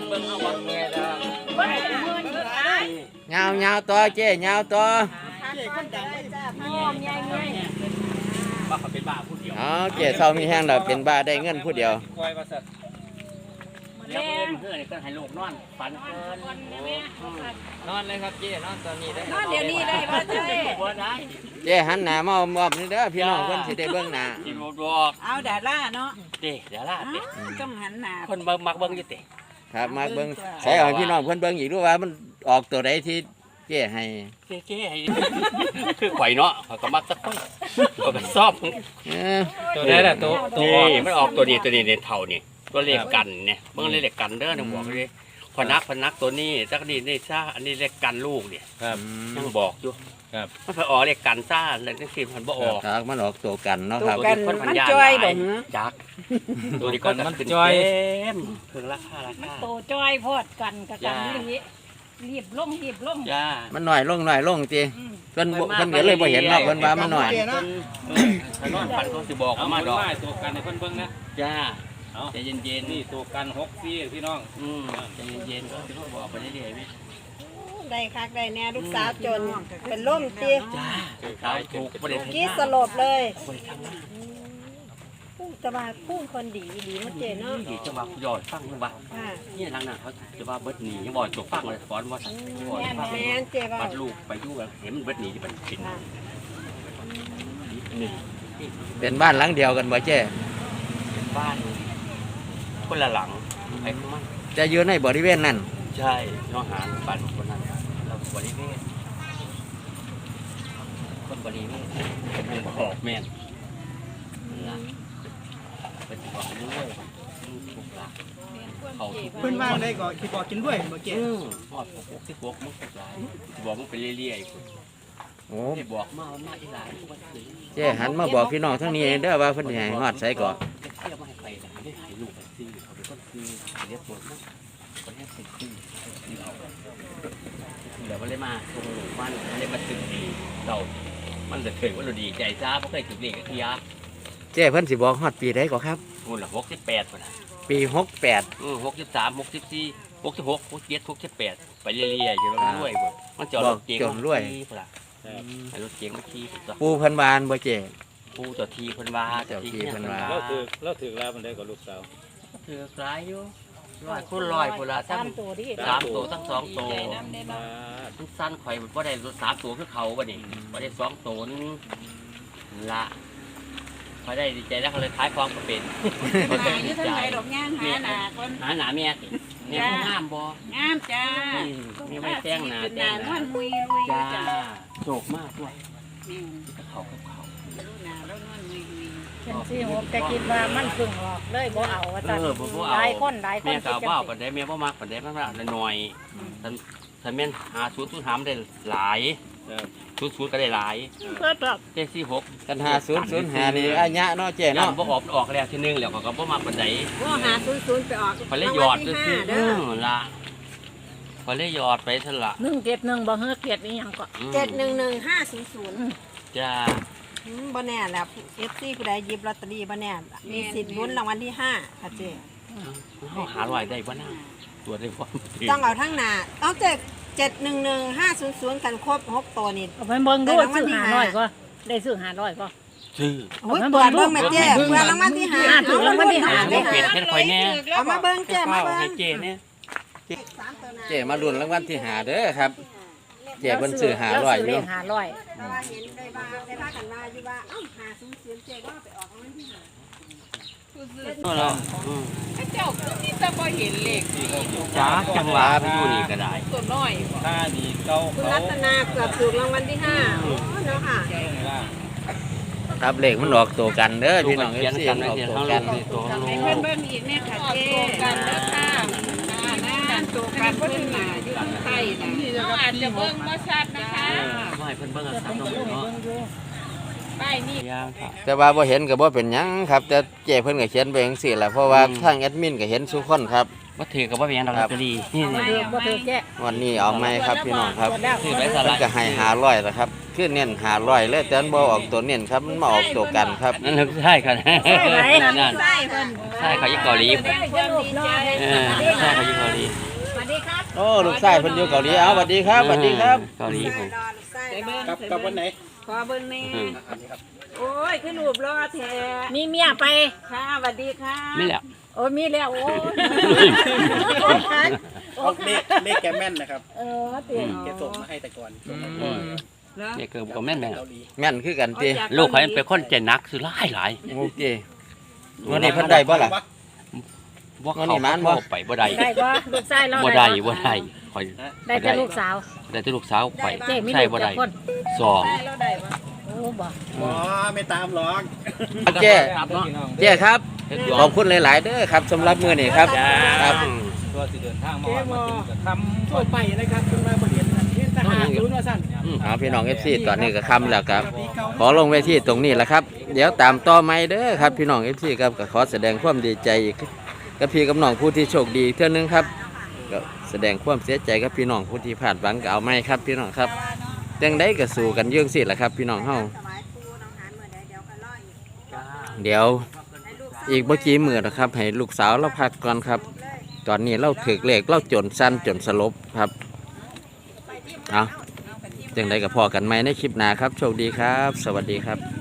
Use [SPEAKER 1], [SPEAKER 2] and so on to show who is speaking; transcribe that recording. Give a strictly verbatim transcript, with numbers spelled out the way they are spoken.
[SPEAKER 1] เบิ่งเอาวันเมียดา
[SPEAKER 2] เงาเงาตัวเจ๊เงาตัว
[SPEAKER 1] บ้าเขาเป็นบ้าผู้เดียว
[SPEAKER 2] อ๋อเจ๊เศร้ามีแห้งเราเป็นบ้าได้เงินผู้เดียว
[SPEAKER 1] เดี๋ยวเพื่อนเพื่อนก็ให้ลูกนอนฝันเกินนอนเลยครับเจ๊นอนตอนนี้ได้
[SPEAKER 3] นอนเดี๋ยวนี้ได้ป่ะเจ๊
[SPEAKER 1] ได้
[SPEAKER 2] เจ๊หันหน้ามามอบนี่เด้อพี่น้องเพิ่นสิได้เบิ่งหน้า
[SPEAKER 1] กินบ่บอก
[SPEAKER 3] เอาดาราเนาะ
[SPEAKER 1] เจ๊ดาราเจ๊
[SPEAKER 3] ต้องหันหน้า
[SPEAKER 1] คนเบิ่งมักเบิ่งอยู่เจ๊
[SPEAKER 2] ครับมาเบิ่งใส่เอาพี่น้องเพิ่นเบิ่งอีกดูว่ามันออกตัวใดที่เจ๊ให้
[SPEAKER 1] เจ๊เจ๊ให้คือข่อยเนาะเขาก็มักสักคนก็ก็ชอบตัวนี้แหละตัวตัวมันออกตัวนี้ตัวนี้ในเท่านี่ตัวเลขกันเนี่ยเบิ่งเลขกันเด้อนะบอกเลยพนักพนักตัวนี้จักนี่นี่ซ่าอันนี้เลขกันลูกเนี่ย
[SPEAKER 2] ครับ
[SPEAKER 1] ยังบอกอยู่
[SPEAKER 2] ครับ
[SPEAKER 1] มันไปออกเลขกันซ่าแล้วจังซี่มันบ่ออก
[SPEAKER 2] ครับมันออกตัวกันเนาะครับ
[SPEAKER 3] กันมันจ้อยบ่หือ
[SPEAKER 1] จักตัวนี้ก็มันจ้อยเพิ่งราคาราคา
[SPEAKER 3] โตจ้อยพอดกันกับกันนี่รีบลงรีบลง
[SPEAKER 1] จ้า
[SPEAKER 2] มันหน่อยลงหน่อยลงติเพิ่นเพิ่นก็เลยบ่เห็นเนาะเพิ่นว่ามันหน่อย
[SPEAKER 1] ถ้านอนฝันเขาสิบอกมาดอก
[SPEAKER 4] ตัวกันให้เพิ่นเบิ่งนะ
[SPEAKER 1] จ้า
[SPEAKER 4] ใจเย็นๆนี่ตัวกันหกซี่พี่น้อง
[SPEAKER 1] อืมใจเย็นๆก็สิเขาบอกไปเรื่อยๆมั้ย
[SPEAKER 3] ได้คักได้แน่ลูกสาวจนเป็นล่มติ
[SPEAKER 1] จ้าขายถูกบ่ได้
[SPEAKER 3] กี้สลบเลยผู้จะมาผู้คนดีดีมาเจเนาะ
[SPEAKER 1] ดีจะมาหยอดฟังจังว่านี่ทางนั้นเขาจะว่าเบิดหนียังบ่จบฟังเลยสอนว่า
[SPEAKER 3] แม่แม่เจว่า
[SPEAKER 1] บัดลูกไปอยู่เห็นมันเบิดหนีมันกิน
[SPEAKER 2] เป็นบ้านหลังเดียวกันบ่เจ๊
[SPEAKER 1] บ้านคนละหลังไอ้พวกมัน
[SPEAKER 2] จะอยู่ในบริเวณนั้น
[SPEAKER 1] ใช่น้องหานบ้านคนนั้นเราบริเวณคนบริเวณเป็นบอกแม่นนะเป็นบอกด้วยถูกละเขา
[SPEAKER 4] เพิ่นว่าได้ก็คิดบอกกินด้วยบ่เจ๊
[SPEAKER 1] อือฮอดพวกที่พวกมึงหลายบอกมึงไปเรื่อยๆโอ้ที่บอกมามาอีหลายทุกวัน
[SPEAKER 2] เจ๊หันมาบอกพี่น้องทั้งนี้เด้อว่าเพิ่นสิให้ฮอดไสก่อน
[SPEAKER 1] เที่ยวมาให้ไปได้ถ่ายรูปไปซื้อเขาเป็นคนซื้อเรียกตัวนะคนนี้เป็นซื้อเดี๋ยวมันเลยมาตรงบ้านมันเลยมาตึกดีเรามันจะเคยว่าเราดีใจจ้าเพราะเคยถึงเด็กที่ยา
[SPEAKER 2] เจ๊เพิ่นสิบอกฮอดปีใดก่อนครับ
[SPEAKER 1] นู่นละหกสิบแปดคนนะ
[SPEAKER 2] ปีหกแปด
[SPEAKER 1] อือหกสิบสามหกสิบสี่หกสิบหกหกสิบเจ็ดหกสิบแปดไปเรื่อยๆจนเรารวยหมดมันจอดรถเก๋ง
[SPEAKER 2] รวย
[SPEAKER 1] รถเก๋งมาขี่
[SPEAKER 2] ปูเพิ่นบานบ่เจ๊
[SPEAKER 1] ปูตัวทีเพิ่นว่า
[SPEAKER 2] เจ้าทีเพิ่นว่า
[SPEAKER 4] เราถือเราถือลามันได้กับลูกสาว
[SPEAKER 1] ถือหลายอยู่ร้อยคนร้อยพุ่นละทั้งสามตัวทั้งสองตัวทั้งสั้นข่อยบ่ได้สามตัวคือเขาบ่นี่บ่ได้สองตัวนึงละพอได้ดีใจแล้วเขาเลยขายของก็เป็น
[SPEAKER 3] หาอยู่ทางไหนดอกย่างหาหนาคน
[SPEAKER 1] หาหนาเมียสิเมียงามบ่
[SPEAKER 3] งามจ้า
[SPEAKER 1] นี่ไม่แต่งหนา
[SPEAKER 3] แต่งหน้ามุยลุย
[SPEAKER 1] จ้าโศกมากด้วยเขาเขา
[SPEAKER 3] หนาแล้วนวลมุยลุย
[SPEAKER 5] เป็นสี่หกแต่คิดว่ามันพึ่งออกเลยบ่เอาว่าจังหลายคนหลายคน
[SPEAKER 1] เมียกาวว่าปันได้เมียบ่มากปันได้มากหน่อยท่านท่านเมียนหาศูนย์ศูนย์หามได้หลายศูนย์ศูนย์ก็ได้หลาย
[SPEAKER 3] เพื่อแบบ
[SPEAKER 1] เจ็ดสี่หก
[SPEAKER 2] กันหาศูนย์ศูนย์หานี่อันยะเนาะเจ๊เนาะ
[SPEAKER 1] บ่ออกออกแล้วทีนึงแล้วก็บ่มากปันได้
[SPEAKER 3] บ่หาศูนย์ศูนย์ไปออก
[SPEAKER 1] พอเลยหยอดคือเออละพอเลยหยอดไปซะละ
[SPEAKER 5] หนึ่งเจ็ดหนึ่งบ่เฮือเกียรตินี่ยังก็
[SPEAKER 3] เจ็ดหนึ่งหนึ่งห้าศูนย์ศูนย์
[SPEAKER 1] จ้า
[SPEAKER 3] บ่แน่แหละเอฟซีผู้ใดหยิบลอตเตอรี่บ่แน่มีสิทธิ์ลุ้นรางวัลที่ห้าค่ะเจ๊
[SPEAKER 1] เขาหาลอยได้บ่น่าตัวได้บ่
[SPEAKER 3] ต้องเอาทั้งหน้าต้องเจ็ดเจ็ดหนึ่งหนึ่งห้าศูนย์ศูนย์กันครบหกตัวนี่
[SPEAKER 5] เอาไปเบิ่งดูซื้อหาร้อยก็ได้ซื้อหาร้อยก็
[SPEAKER 1] ซื้อ
[SPEAKER 3] โอ้ยเปิดเบิ่งแม่เจ๊เปิดรางวัลที่ห้า
[SPEAKER 5] ถูกรางวัลที่ห้า
[SPEAKER 1] ได้เปลี่ยนเป็นข่อยแน่
[SPEAKER 3] เอามาเบิ่งเจ๊มาเบิ่ง
[SPEAKER 1] ให้เจ๊เนี่ย
[SPEAKER 2] เจ๊มาลุ้นรางวัลที่ห้าเด้อครับเจ๊เพิ่นซื้อห้าร้อยอยู่
[SPEAKER 5] ห้าร้อย
[SPEAKER 3] แต่ว่าเห็นได้ว่าได้ว่ากันว่าอยู่ว่าเอ้าห้าศูนย์ศูนย์เจ๊ว่าไปออกรางวัลที่ห้า
[SPEAKER 1] เรา
[SPEAKER 3] เจ้าคือมีแต่บ่เห็นเลข
[SPEAKER 1] จ้าจังหวะไปอยู่นี่ก็ได้
[SPEAKER 3] ตัวน้อย
[SPEAKER 4] ค่านี่เก่า
[SPEAKER 3] คุณรัตนาเกือบถูกรางวัลที่ห้าเนาะค่ะ
[SPEAKER 2] ครับเลขมันออกตัวกันเด้อพี่น้องเอฟซีออกตัวกัน
[SPEAKER 3] ให้เพิ่นเบิ่งอีกแม่ค่ะเจ๊กันเด้อค่ะนั่นตัวกันเพิ่นน่ะอยู่ข้างใต้น่ะเราอาจจะเบิ่งบ่ชัดนะคะ
[SPEAKER 1] บ่ให้เพิ่นเบิ่งชัดเนาะ
[SPEAKER 3] ป้ายนี่
[SPEAKER 2] แต่ว่าบ่เห็นก็บ่เป็นหยังครับแต่เจ๊เพิ่นก็เขียนไปจังซี่แหละเพราะว่าทางแอดมินก็เห็นทุกคนครับ
[SPEAKER 1] บ่ถือก็บ่เป็นหยังดอกลอตเตอรี่
[SPEAKER 5] นี่บ่ถือแก่
[SPEAKER 2] วันนี้เอาไหมครับพี่น้องครับ
[SPEAKER 1] ถือไปซะ
[SPEAKER 2] ละก็ให้ห้าร้อยแล้วครับคือเน้นหาร้อยเลยแต่มันบ่ออกตัวเน้นครับมันมาออกตัวกันครับ
[SPEAKER 1] นั่นลูกใช่ครับ
[SPEAKER 5] ใช่ไหม
[SPEAKER 1] นั่น
[SPEAKER 3] ใช่เพิ่น
[SPEAKER 1] ใช่เขาอยู่เกาหลี
[SPEAKER 5] ได้ก็ลูกน้อย
[SPEAKER 1] เออใช่เขาอยู่เกาหลี
[SPEAKER 5] สวัสดีครับ
[SPEAKER 2] โอ้ลูกชายเพิ่นอยู่เกาหลีเอาสวัสดีครับสวัสดีครับ
[SPEAKER 1] เกาหลีผม
[SPEAKER 3] ใส่เบิ่ง
[SPEAKER 4] กับกับวันไหน
[SPEAKER 3] ขอเบิ่งแน่
[SPEAKER 1] อืม
[SPEAKER 3] โอ้ยคือรูปรอแท้
[SPEAKER 5] มีเมียไป
[SPEAKER 3] ค่ะสวัสดีค่ะ
[SPEAKER 1] นี่แหละ
[SPEAKER 5] โอ้มีแล้วโอ้
[SPEAKER 4] เอาเลขเลขแกแม่นนะครับ
[SPEAKER 5] เออเตียง
[SPEAKER 4] แกส่งมาให้แต่ก่อน
[SPEAKER 3] เหรอ
[SPEAKER 1] เนี่ยเกิดกับแม่นแม่น
[SPEAKER 4] เกาหลี
[SPEAKER 2] แม่นคือกันติ
[SPEAKER 1] ลูกเขาเป็นคนใจนักคือหลายหลาย
[SPEAKER 2] โอเควันนี้เพิ่นได้บ่ล่ะ
[SPEAKER 1] ว่า
[SPEAKER 2] งั้น
[SPEAKER 1] เขา
[SPEAKER 2] นี่มันบ่
[SPEAKER 1] เข้าไปบ่ได้
[SPEAKER 5] ได้บ่ลูกชายเรา
[SPEAKER 1] บ่ได้บ่ได้คอย
[SPEAKER 5] ได้แต่ลูกสาว
[SPEAKER 1] ได้แต่ลูกสาวไป
[SPEAKER 5] เจ๊มี
[SPEAKER 1] ใช่
[SPEAKER 5] ลูก
[SPEAKER 1] บ่
[SPEAKER 5] จั
[SPEAKER 1] ได้
[SPEAKER 5] กคน
[SPEAKER 1] สอง
[SPEAKER 3] ได้แล้วได้ปะ
[SPEAKER 5] โอ้บ่
[SPEAKER 4] อ๋อไม่ตามหรอก
[SPEAKER 2] เจ้
[SPEAKER 1] ครับเนาะ
[SPEAKER 2] เจ้ครับขอบคุณหลาย ๆ เด้อครับสำหรับมื้อนี้ครับครับ
[SPEAKER 4] ตัวสิเดินทางมามาถึงกับคำทั่วไปนะครับคุณมาประเด็นเห็นทหารรู้ว่าสั้น
[SPEAKER 2] เอาพี่น้อง เอฟ ซี ตอนนี้ก็ค่ำแล้วครับ ขอลงเวทีตรงนี้แหละครับ เดี๋ยวตามต่อไม่เด้อครับพี่น้อง เอฟ ซี ครับก็ขอแสดงความดีใจกับพี่กับน้องผู้ที่โชคดีเท่านึงครับก็แสดงความเสียใจกับพี่น้องผู้ที่พลาดหวังก็เอาไม่ครับพี่น้องครับจังได้ก็สู้กันเยื่องสิแหละครับ พี่น้องเฮาเดี๋ยวอีกเมื่อกี้มือนะครับให้ลูกสาวเราพักก่อนครับ ตอนนี้เราถือเลขเราจนสั้นจนสลบครับเอาจังได้ก็พอกันไหมในคลิปหน้าครับโชคดีครับ สวัสดีครับ